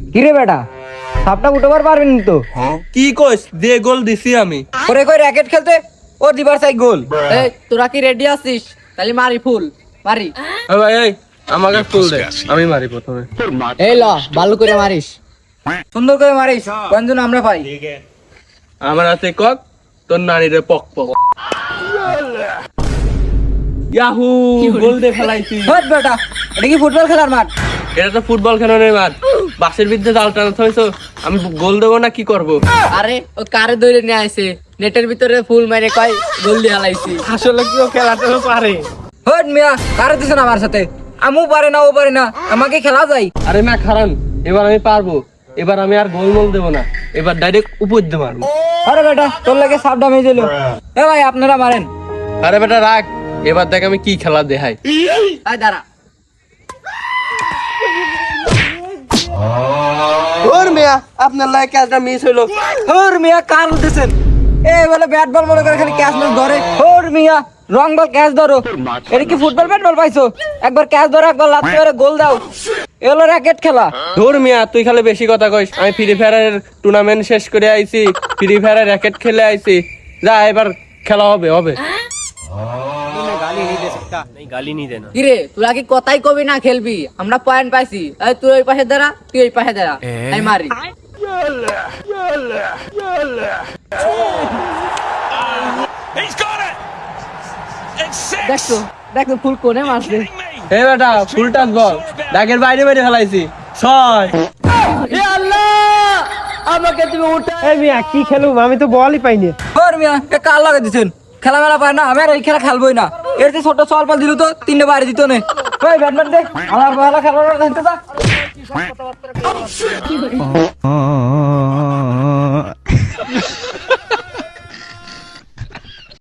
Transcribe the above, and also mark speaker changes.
Speaker 1: কিরে বেটা সাপটা উঠবার পারবেন তো?
Speaker 2: কি কইস দিয়ে গোল দিছি আমি।
Speaker 1: ওরে কই র‍্যাকেট খেলতে ও দিবার চাই গোল।
Speaker 3: এই তোরা কি রেডি আছিস? তাহলে মারি ফুল মারি।
Speaker 2: এ ভাই এই আমাকে ফুল দে, আমি মারি প্রথমে।
Speaker 3: এই ল ভালো করে মারিস।
Speaker 1: সুন্দর করে মারিস, কোনজন আমরা পাই।
Speaker 2: আমার হাতে কক, তোর নানিরে পক পক। ইয়াহু গোল দে ফেলাইছি।
Speaker 1: হট বেটা, এটা কি ফুটবল খেলার মাঠ?
Speaker 2: এটা তো ফুটবল খেলানোর মাঠ। বাসের বিরুদ্ধে জাল টানা হইছো, আমি গোল দেবো না কি করব?
Speaker 3: আরে ও কারে ধরে নিয়ে আইছে, নেটের ভিতরে ফুল মেরে কয় গোল দিয়ে হালাইছি।
Speaker 2: আসলে কি ও খেলাতে পারে?
Speaker 1: হট মিয়া, কারে দিছেন আমার সাথে? আমু পারে না ও পারে না, আমাকে খেলা যায়।
Speaker 2: আরে না খারান, এবার আমি পারবো। এবার আমি আর গোল মোল দেবো না, এবার ডাইরেক্ট উপর দিয়ে মারবো।
Speaker 1: আরে বেটা তোর লাগে সাপ ডামে দিল। এ ভাই আপনারা মারেন।
Speaker 2: আরে বেটা রাখ, এবার দেখ আমি কি খেলা দেখাই।
Speaker 3: আয় দাঁড়া।
Speaker 2: ওর মিয়া আপনার লাগে ক্যাচটা মিস হইলো।
Speaker 1: ওর মিয়া কার দিছেন? এ বলে ব্যাট বল মনে করে খালি ক্যাচ ম্যাচ ধরে। ওর মিয়া রং বল ক্যাচ ধরো। এটা কি ফুটবল ব্যাট বল পাইছো? একবার ক্যাচ ধরো, একবার লাথি মেরে গোল দাও। এ হলো র‍্যাকেট খেলা।
Speaker 2: ধুর মিয়া তুই খালি বেশি কথা কইস। আমি ফ্রি ফায়ারের টুর্নামেন্ট শেষ করে আইছি, ফ্রি ফায়ারের র‍্যাকেট খেলে আইছি। যা এবার খেলা হবে হবে।
Speaker 3: কিরে তোরা কি কথাই কবি না খেলবি? আমরা পয়েন্ট পাইছি। এই তুই ওই পাশে দাঁড়া, তুই ওই পাশে দাঁড়া। এই মারি। দেখছো দেখো ফুল কোনে মারছে।
Speaker 2: হে বেটা ফুল টাচ বল, দাগের বাইরে বাইরে ফেলাইছি। ছয়।
Speaker 3: এ আল্লাহ, আমাকে তুমি উঠা।
Speaker 4: এই মিয়া কি খেলুম, আমি তো বলই পাইনি।
Speaker 1: ওর মিয়া এ কার লাগে দিছেন? খেলা মেলা পায় না, আমি আর এই খেলা খেলবোই না। এর যে ছোট সল পাল দিল তো তিনটে বাইরে দিত না। ওই ব্যাটম্যান দে, আমার ভালো খেলা দেখতে যা।